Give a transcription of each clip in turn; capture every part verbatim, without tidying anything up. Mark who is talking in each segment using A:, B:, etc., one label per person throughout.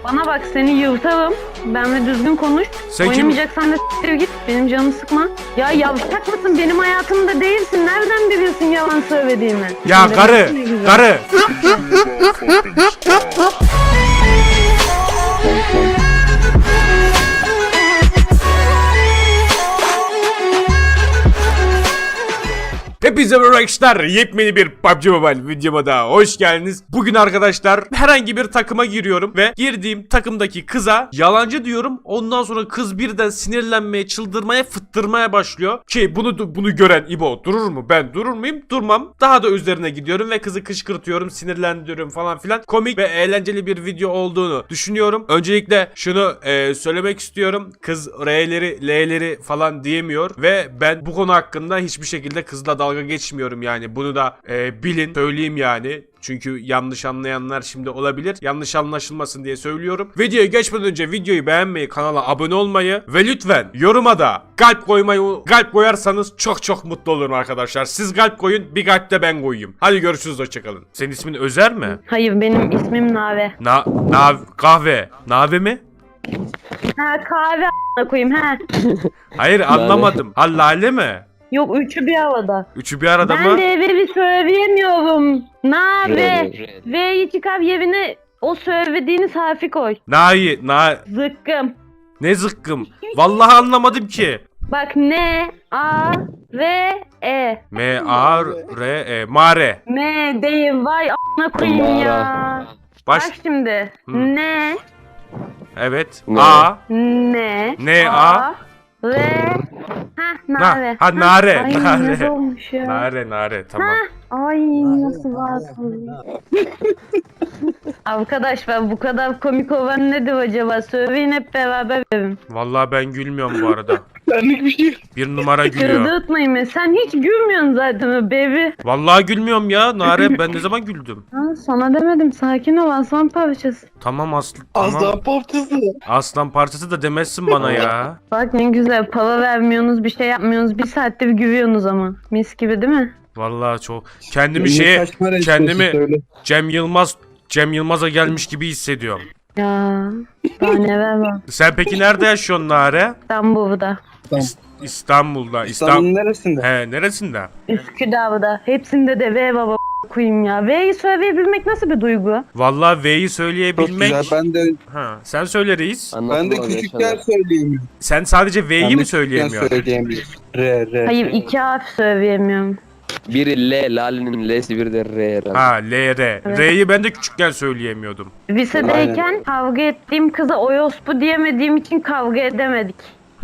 A: Bana bak seni yırtarım. Benle düzgün konuş.
B: Sen kim-
A: Oynamayacaksan da s**tir git. Benim canımı sıkma. Ya yavşak mısın? Benim hayatımda değilsin. Nereden biliyorsun yalan söylediğimi?
B: Ya
A: Demek
B: karı,
A: ki ne güzel.
B: karı. Hepinize merhaba arkadaşlar. Yepyeni bir P U B G Mobile videoma da hoş geldiniz. Bugün arkadaşlar herhangi bir takıma giriyorum ve girdiğim takımdaki kıza yalancı diyorum. Ondan sonra kız birden sinirlenmeye, çıldırmaya, fıttırmaya başlıyor. Ki bunu bunu gören İbo durur mu? Ben durur muyum? Durmam. Daha da üzerine gidiyorum ve kızı kışkırtıyorum, sinirlendiriyorum falan filan. Komik ve eğlenceli bir video olduğunu düşünüyorum. Öncelikle şunu e, söylemek istiyorum. Kız R'leri, L'leri falan diyemiyor ve ben bu konu hakkında hiçbir şekilde kızla dalga geçmiyorum yani. Bunu da e, bilin, söyleyeyim yani. Çünkü yanlış anlayanlar şimdi olabilir. Yanlış anlaşılmasın diye söylüyorum. Videoya geçmeden önce videoyu beğenmeyi, kanala abone olmayı ve lütfen yoruma da kalp koymayı, kalp koyarsanız çok çok mutlu olurum arkadaşlar. Siz kalp koyun, bir kalp de ben koyayım. Hadi görüşürüz, hoşçakalın. Senin ismin Özer mi?
A: Hayır benim ismim Nave.
B: Na, na kahve. Nave mi?
A: Ha kahve a**ına koyayım ha.
B: Hayır anlamadım. Ha Lale mi?
A: Yok üçü bir havada.
B: Üçü bir arada
A: Ben
B: mı?
A: de evi bir söyleyemiyorum. Nave.
C: Red, red.
A: V'yi çıkar yerine o söylediğiniz harfi koy.
B: Na'yı, na
A: Zıkkım.
B: ne zıkkım? Vallahi anlamadım ki.
A: Bak N, A, V, E.
B: M A R E Mare.
A: M değil vay a**ına koyayım ya.
B: Baş
A: Bak şimdi.
B: Hı.
A: N,
B: evet.
C: Ne?
B: A
A: N,
B: N, A.
A: V. Ha
B: Na
A: Nare.
B: ha Nare,
A: Ay
B: Nare.
A: nasıl olmuş ya.
B: Nare, Nare tamam.
A: Ay nasıl varsın. Arkadaş ben bu kadar komik olan nedir acaba? Söyleyin hep beraber verin.
B: Vallahi ben gülmüyorum bu arada.
C: Benlik bir şey.
B: Bir numara gülüyor.
A: Kırdırtmayın beni. Sen hiç gülmüyorsun zaten baby.
B: Vallahi gülmüyorum ya Nare, ben ne zaman güldüm?
A: Ha, sana demedim sakin ol aslan parçası.
B: Tamam Aslı. Tamam.
C: Aslan parçası.
B: Aslan parçası da demezsin bana ya.
A: Bak ne güzel para vermiyorsunuz bir şey yapmıyorsunuz bir saattir gülüyorsunuz ama. Mis gibi değil mi?
B: Vallahi çok kendimi şeye kendimi Cem Yılmaz Cem Yılmaz'a gelmiş gibi hissediyorum.
A: Ya daha neler var.
B: Sen peki nerede yaşıyorsun Nare?
A: İstanbul'da,
B: İs- İstanbul'da. İstanbul.
C: İstanbul'un neresinde?
B: He, neresinde?
A: Üsküdar'da. Hepsinde de V baba koyayım ya. V'yi söyleyebilmek nasıl bir duygu?
B: Vallahi V'yi
C: Çok
B: söyleyebilmek.
C: güzel. Ben de
B: Ha, sen söyle reis.
C: ben de küçükken söyleyemiyorum.
B: Sen sadece V'yi
C: Ben de
B: mi
C: küçükken
B: söyleyemiyorsun?
C: söyleyemiyorum. R R.
A: Hayır iki harf söyleyemiyorum.
D: Biri L, Lale'nin L'si biri de R herhalde.
B: Ha, L R.
A: Evet.
B: R'yi ben de küçükken söyleyemiyordum.
A: Lisedeyken kavga ettiğim kıza oyospu diyemediğim için kavga edemedik.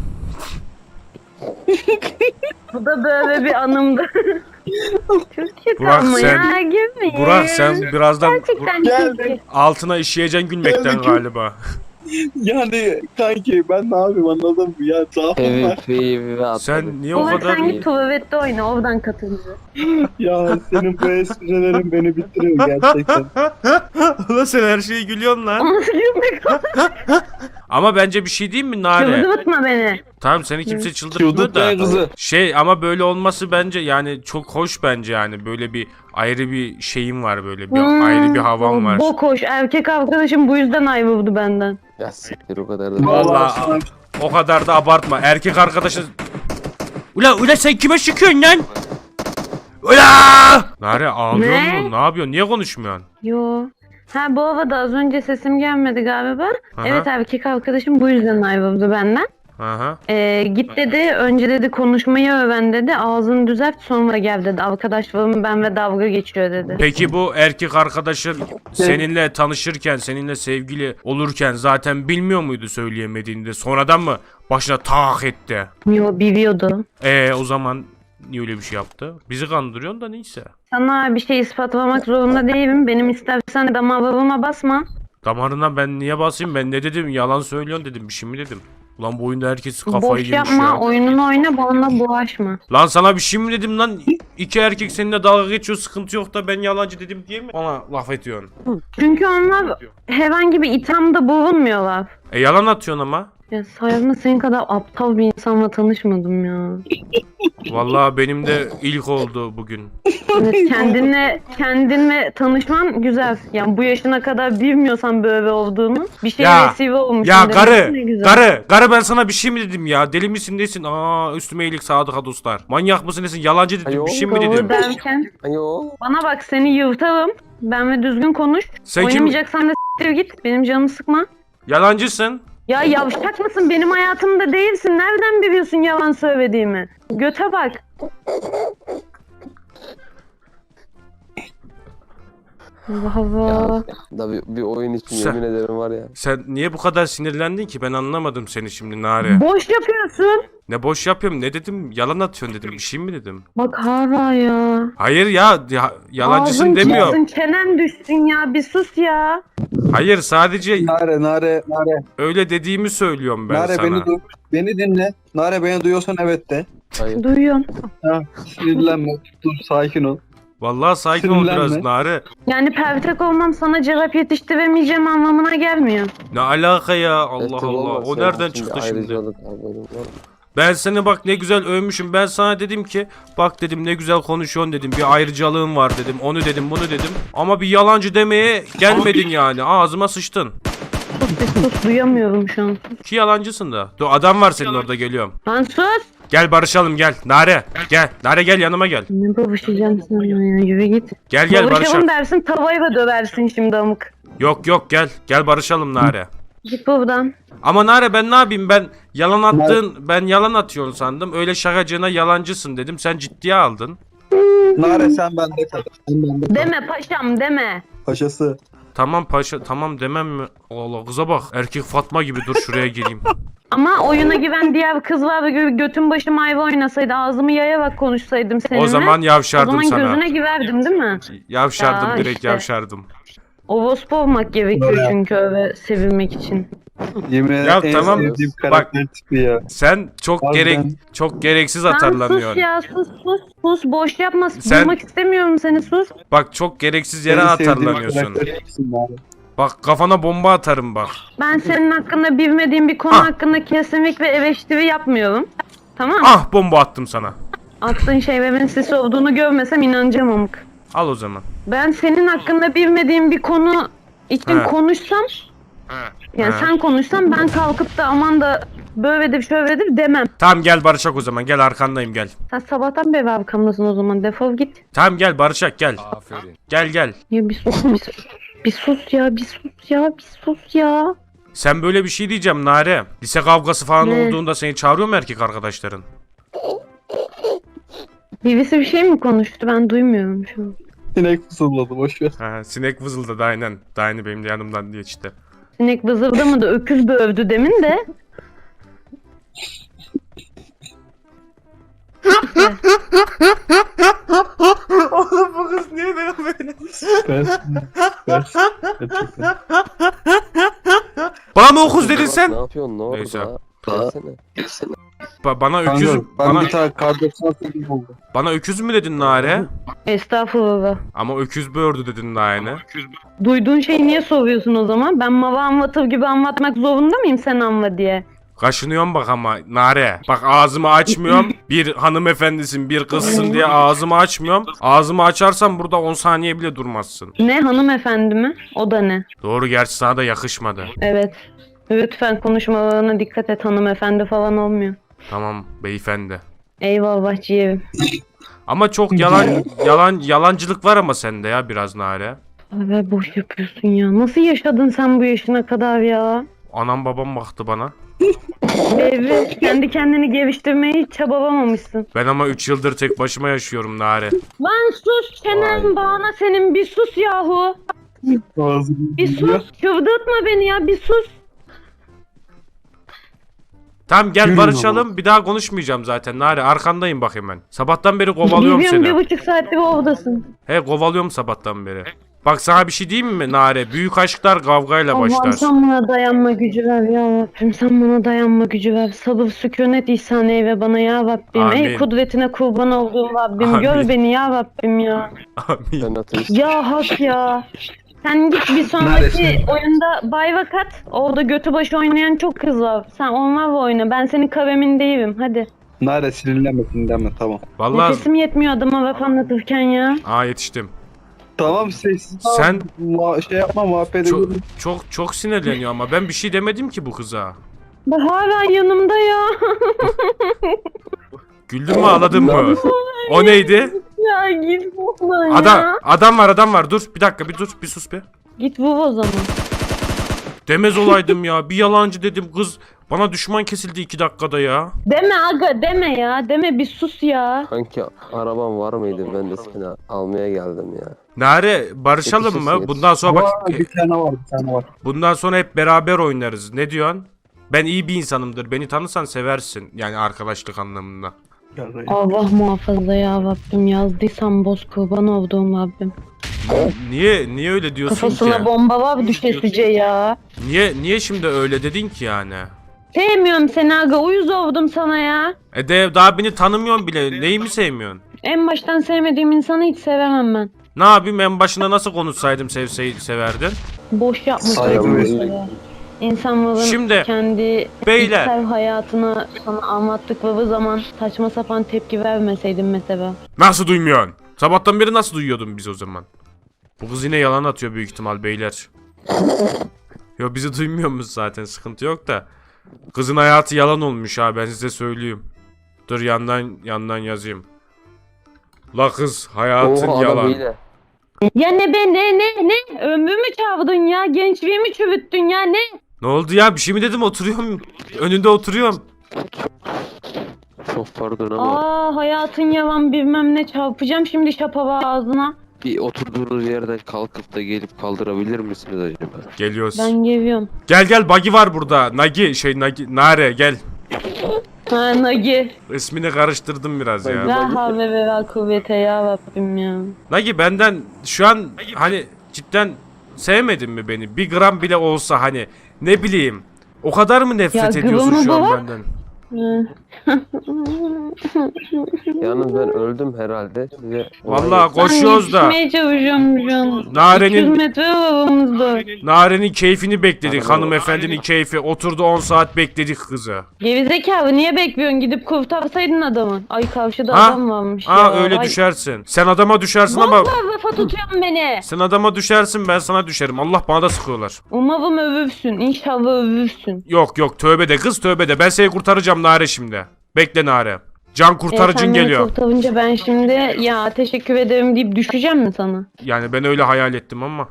A: Bu da böyle bir anımdı. Çok kötü
B: Burak,
A: ama
B: sen-
A: ya gülmeyin.
B: Burak sen birazdan
A: Gerçekten
C: Gel,
A: kötü.
B: altına işeyeceksin gülmekten
C: Geldik.
B: galiba.
C: Yani kanki ben ne yapayım anladın mı? Ya zaafım
D: Evi,
C: var.
D: evi ve atladı.
B: Sen niye o
A: Burak
B: kadar...
A: sen git tuvalette oyna oradan katılıyor.
C: Ya senin bu esprilerin beni bitiriyor gerçekten.
B: Ulan sen her şeyi gülüyorsun lan.
A: Nasıl gülmek o?
B: Ama bence bir şey diyeyim mi Nare?
A: Çıldırtma beni.
B: Tamam seni kimse çıldırtmıyor
C: Çıldırtmaya
B: da.
C: kızı.
B: Şey ama böyle olması bence yani çok hoş bence yani. Böyle bir ayrı bir şeyim var böyle. Bir
A: Hmm,
B: ayrı bir havam var.
A: Bok hoş. Erkek arkadaşım bu yüzden ayrıldı benden.
D: Ya siktir o kadar da.
B: Vallahi
C: sana-
B: o kadar da abartma. Erkek arkadaşın... Ula ula sen kime sıkıyorsun lan? Ula! Nare ağlıyor
A: Ne?
B: mu? Ne yapıyorsun? Niye konuşmuyorsun?
A: Yo. Ha bu arada az önce sesim gelmedi galiba.
B: Aha.
A: Evet erkek arkadaşım bu yüzden ayrıldı benden.
B: Aha.
A: Ee, git dedi önce dedi konuşmayı öğren dedi. Ağzını düzelt sonra gel dedi. Arkadaşlarım ben ve dalga geçiyor dedi.
B: Peki bu erkek arkadaşın seninle tanışırken, seninle sevgili olurken zaten bilmiyor muydu söyleyemediğini de? Sonradan mı başına tak etti?
A: Yo biliyordu.
B: Ee o zaman niye öyle bir şey yaptı? Bizi kandırıyorsun da neyse.
A: Sana bir şey ispatlamak zorunda değilim. Benim istersen damarlarıma basma.
B: Damarına ben niye basayım? Ben ne dedim? Yalan söylüyorsun dedim. Bir şey mi dedim? Ulan bu oyunda herkes kafayı
A: Boş
B: yemiş
A: yapma
B: ya.
A: oyununu oyna bana bulaşma.
B: Lan sana bir şey mi dedim lan? İki erkek seninle dalga geçiyor, sıkıntı yok da ben yalancı dedim diye mi bana laf ediyorsun?
A: Çünkü onlar herhangi bir ithamda bulunmuyorlar.
B: E yalan atıyorsun ama.
A: Ya sayemde senin kadar aptal bir insanla tanışmadım ya.
B: Vallahi benim de ilk oldu bugün.
A: Evet, kendinle kendinle tanışman güzel. Yani bu yaşına kadar bilmiyorsan böyle olduğunu bir şeye
B: Ya,
A: vesile olmuş.
B: Ya karı, karı, karı ben sana bir şey mi dedim ya? Deli misin nesin? Aa üstüme iyilik sadıka dostlar. Manyak mısın nesin? Yalancı dedim,
D: Ayo,
B: bir şey mi
A: Doğru
B: dedim?
A: derken
D: Ayo.
A: bana bak seni yırtarım. Ben ve düzgün konuş.
B: Sen kim?
A: Oynamayacaksan da s**tir git. Benim canımı sıkma.
B: Yalancısın.
A: Ya yavşak mısın? Benim hayatımda değilsin. Nereden biliyorsun yalan söylediğimi? Göte bak. Allah Allah.
D: Ya, da bir, bir oyun için
B: Sen-
D: yemin ederim var ya.
B: Sen niye bu kadar sinirlendin ki? Ben anlamadım seni şimdi Nare.
A: Boş yapıyorsun.
B: Ne boş yapıyorum, ne dedim? Yalan atıyorsun dedim. Bir şey mi dedim?
A: Bak hala ya.
B: Hayır ya, ya yalancısın
A: Ağzın
B: demiyorum.
A: çıksın, çenen düşsün ya. Bir sus ya.
B: Hayır, sadece
C: Nare Nare Nare.
B: öyle dediğimi söylüyorum ben
C: Nare
B: sana.
C: beni duy. Beni dinle. Nare beni duyuyorsan evet de.
D: Hayır.
A: Duyuyorum.
C: Ha, sinirlenme. Dur sakin ol.
B: Vallahi sakin ol biraz
C: Sinirlenme.
B: Nare.
A: Yani pertek olmam sana cevap yetiştiremeyeceğim anlamına gelmiyor.
B: Ne alaka ya, Allah
D: Evet,
B: Allah.
D: vallahi
B: O
D: senin
B: nereden
D: için
B: çıktı
D: bir
B: şimdi?
D: ayrıcalık abi, benim var.
B: Ben seni bak ne güzel övmüşüm. Ben sana dedim ki bak dedim ne güzel konuşuyorsun dedim. Bir ayrıcalığın var dedim. Onu dedim, bunu dedim. Ama bir yalancı demeye gelmedin yani. Ağzıma sıçtın.
A: Sus bir sus duyamıyorum şu an.
B: Ki yalancısın da. Dur adam var senin orada, geliyorum.
A: Lan sus.
B: Gel barışalım gel. Nare gel. Nare gel yanıma gel.
A: Ne babışacağım sana ya yürü git.
B: Gel gel
A: Barışalım
B: barışalım.
A: dersin tavayı da döversin şimdi amık.
B: Yok yok gel. Gel barışalım Nare.
A: Git buradan.
B: Ama Nare ben ne yapayım, ben yalan attın, ben yalan atıyorsun sandım. Öyle şakacığına yalancısın dedim. Sen ciddiye aldın.
C: Nare sen bende kal. Sen bende kal.
A: Deme paşam deme.
C: Paşası.
B: Tamam paşa, tamam demem mi? Allah kıza bak. Erkek Fatma gibi, dur şuraya gireyim.
A: Ama oyuna güven diğer kız var ve gö- götün başım ayva oynasaydı ağzımı yayarak konuşsaydım seninle.
B: O zaman
A: o
B: yavşardım
A: zaman
B: sana.
A: gözüne güverdim değil mi?
B: Yavşardım,
A: Ya
B: direkt
A: işte.
B: yavşardım.
A: Ovospu olmak gerekiyor çünkü öyle sevilmek için.
C: Yemin ederim
B: Ya
C: en
B: tamam.
C: sevdiğim karakter tipi ya.
B: Sen çok
C: Harbiden.
B: gerek çok gereksiz
A: Lan sus
B: atarlanıyorsun.
A: ya sus sus sus boş yapma.
B: Sen-
A: Duymak istemiyorum seni sus.
B: Bak çok gereksiz yere
C: En sevdiğim
B: atarlanıyorsun.
C: karakter tipisin Nare.
B: Bak kafana bomba atarım bak.
A: Ben senin hakkında bilmediğim bir konu
B: Ah.
A: hakkında kesinlikle eleştiri yapmıyorum. Tamam mı?
B: Ah bomba attım sana.
A: Attığın şeylerin sis olduğunu görmesem inanacağım amık.
B: Al o zaman.
A: Ben senin hakkında bilmediğim bir konu için
B: He.
A: konuşsam, yani
B: He.
A: sen konuşsan ben kalkıp da aman da böyledir şöyledir demem.
B: Tamam gel barışak o zaman. Gel arkandayım gel.
A: Sen sabahtan beri arkamdasın o zaman defol git.
B: Tamam gel barışak gel. Gel gel.
A: Ya bir sus bir sus. Bir sus ya bir sus ya bir sus ya.
B: Sen böyle bir şey diyeceğim Nare. Lise kavgası falan
A: Ne?
B: olduğunda seni çağırıyor mu erkek arkadaşların?
A: Birisi bir şey mi konuştu ben duymuyorum şu an.
C: Sinek fısıldadı boşver.
B: Ha, sinek vızıldadı aynen. Daha aynı benim de yanımdan diye işte.
A: Sinek vızıldı mı da öküz bövdü demin de.
B: Oğlum bu kız niye böyle?
C: Ben, ben, gerçekten.
B: Bana mı okuz dedin
D: Bak,
B: sen?
D: Ne yapıyorsun ne
B: Neyse.
D: orada? Gelsene. Gelsene.
B: Ba- bana öküz
C: Kanka, ben
B: bana
C: bir tane kar doksan sekiz oldu.
B: bana öküz mü dedin Nare?
A: Estağfurullah.
B: Ama öküz böğürdü dedin daha yine.
A: Duyduğun şeyi niye soruyorsun o zaman? Ben mava anlatır gibi anlatmak zorunda mıyım sen anla diye?
B: Kaşınıyorum bak ama Nare. Bak ağzımı açmıyorum. Bir hanımefendisin, bir kızsın diye ağzımı açmıyorum. Ağzımı açarsam burada on saniye bile durmazsın.
A: Ne hanımefendi mi? O da ne?
B: Doğru, gerçi sana da yakışmadı.
A: Evet. Lütfen konuşmalarına dikkat et hanımefendi falan olmuyor.
B: Tamam beyefendi.
A: Eyvallah ciğerim.
B: Ama çok yalan yalan yalancılık var ama sende ya biraz Nare.
A: Abi boş yapıyorsun ya. Nasıl yaşadın sen bu yaşına kadar ya?
B: Anam babam baktı bana.
A: Evet. Kendi kendini geliştirmeyi hiç çabalamamışsın.
B: Ben ama üç yıldır tek başıma yaşıyorum Nare.
A: Lan sus çenen
D: Vay.
A: bağına senin bir sus yahu.
C: Ağzını
A: Bir sus. Çıldırtma beni ya bir sus.
B: Tamam gel
C: Yürü
B: barışalım. Bir daha konuşmayacağım zaten Nare. Arkandayım bak hemen. Sabahtan beri kovalıyorum
A: Biliyorum bir
B: seni.
A: buçuk saattir oradasın.
B: He kovalıyorum sabahtan beri. Bak sana bir şey diyeyim mi Nare? Büyük aşklar kavgayla
A: Allah'ım
B: başlar.
A: sen bana dayanma gücü ver ya Rabbim. Sen bana dayanma gücü ver. Sabır sükunet ihsan eyle bana ya Rabbim.
B: Amin.
A: Ey kudretine kurban olduğum Rabbim.
B: Amin.
A: Gör beni ya Rabbim ya.
B: Amin.
D: Ben ateist.
A: Ya hak ya. Sen git bir sonraki
C: Neredesin?
A: oyunda bayvak at. Orada götü başı oynayan çok kız var. Sen onlarla oyna. Ben senin kavemin değilim. Hadi.
C: Nare sinirlenme sinirlenme tamam.
B: Vallahi
A: Nefesim yetmiyor adama laf anlatırken ya.
B: aa yetiştim.
C: Tamam sessiz. ol.
B: Sen-
C: Muha- şey yapma muhabbet
B: Çok
C: edelim.
B: çok çok sinirleniyor ama ben bir şey demedim ki bu kıza.
A: Bak hala yanımda ya.
B: Güldün mü ağladın mı? O neydi?
A: Ya git buradan ya.
B: Adam adam var adam var dur bir dakika bir dur bir sus bir.
A: Git vur o zaman.
B: Demez olaydım ya bir yalancı dedim kız bana düşman kesildi iki dakikada ya.
A: Deme aga deme ya. Deme bir sus ya.
D: Kanki araban var mıydı? Ben de seni almaya geldim ya.
B: Nare barışalım
D: Yetişirsin,
B: mı?
D: yetişirsin.
B: Bundan sonra bak
C: Var, bir tane var bir tane var.
B: bundan sonra hep beraber oynarız. Ne diyorsun? Ben iyi bir insanımdır. Beni tanırsan seversin. Yani arkadaşlık anlamında.
C: Gel buraya.
A: Allah muhafaza ya Rabbim. Yazdıysam boz kurban olduğum Rabbim.
B: Niye niye öyle diyorsun
A: Kafasına
B: ki?
A: bomba var düşesice ya.
B: Niye niye şimdi öyle dedin ki yani?
A: Sevmiyorum seni aga. Uyuz oldum sana ya.
B: E de daha beni tanımıyorsun bile. Neyi mi sevmiyorsun?
A: En baştan sevmediğim insanı hiç sevemem ben.
B: Ne yapayım en başına nasıl konuşsaydım sevsey severdin?
A: Boş yapmış.
C: Saygı
A: oldum
C: ve-
A: mesela. İnsanların
B: Şimdi,
A: kendi
B: beyler.
A: içsel hayatını sana anlattıkları zaman saçma sapan tepki vermeseydin mesela.
B: Nasıl duymuyorsun? Sabahtan beri nasıl duyuyordun biz o zaman? Bu kız yine yalan atıyor büyük ihtimal beyler. Yo bizi duymuyormuş zaten sıkıntı yok da. Kızın hayatı yalan olmuş ha ben size söyleyeyim. Dur yandan yandan yazayım. La kız hayatın
D: Oo adam
B: yalan.
D: hile.
A: Ya ne be ne ne ne? Ömrümü çaldın ya. Gençliğimi çürüttün ya ne?
B: Ne oldu ya bir şey mi dedim oturuyorum. Önünde oturuyorum.
D: Çok pardon ama
A: Aa hayatın yalan bilmem ne çarpacağım şimdi şapava ağzına.
D: bir oturduğunuz yerden kalkıp da gelip kaldırabilir misiniz acaba?
B: Geliyoruz.
A: Ben geliyorum.
B: Gel gel Bagi var burada. Nagi şey Nagi Nare gel.
A: Ha Nagi.
B: İsmini karıştırdım biraz ya.
A: La havle ve la kuvvete ya Rabbim ya.
B: Nagi benden şu an hani cidden sevmedin mi beni? Bir gram bile olsa hani ne bileyim. O kadar mı nefret
A: Ya
B: ediyorsun
A: gramı
B: şu an
A: bırak.
B: benden?
A: Hı.
D: Yalnız ben öldüm herhalde. Size
B: Vallahi koşuyoruz da.
A: Ben yetişmeye çalışıyorum şu an.
B: Narenin-
A: iki yüz metre var aramızda.
B: Nare'nin keyfini bekledik.
D: Anladım.
B: Hanımefendinin keyfi. Oturdu on saat bekledik kızı.
A: Gerizekalı niye bekliyorsun? Gidip kurtarsaydın adamı. Ay karşıda
B: Ha?
A: adam varmış
B: Aa
A: ya.
B: öyle
A: Ay.
B: düşersin. Sen adama düşersin ama
A: Vallahi lafa tutuyorsun beni.
B: sen adama düşersin ben sana düşerim. Allah bana da sıkıyorlar.
A: Umarım övürsün. İnşallah övürsün.
B: Yok yok tövbe de kız tövbe de. Ben seni kurtaracağım Nare şimdi. Bekle Nare. Can
A: E,
B: kurtarıcın
A: sen beni
B: geliyor.
A: kurtarınca ben şimdi ya teşekkür ederim deyip düşeceğim mi sana?
B: Yani ben öyle hayal ettim ama.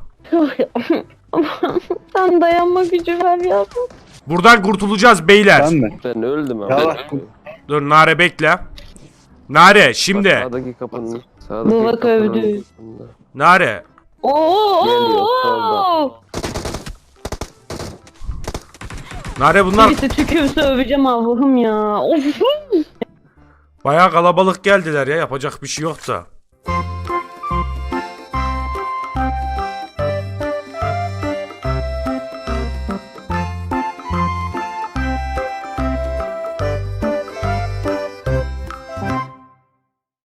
A: Sen dayanma gücü ver ya.
B: Buradan kurtulacağız beyler.
C: Ben mi?
D: ben öldüm ama.
C: Ya bak.
B: Dur Nare bekle. Nare şimdi.
D: Sağdaki kapının. Sağdaki
A: Baba
D: kapının
A: övdü.
D: arkasında.
B: Nare.
A: Oo,
D: Geliyor,
A: oo,
D: solda.
B: Nare bunlar
A: Birisi tükürse öveceğim Allah'ım ya. Of.
B: bayağı kalabalık geldiler ya yapacak bir şey yok da.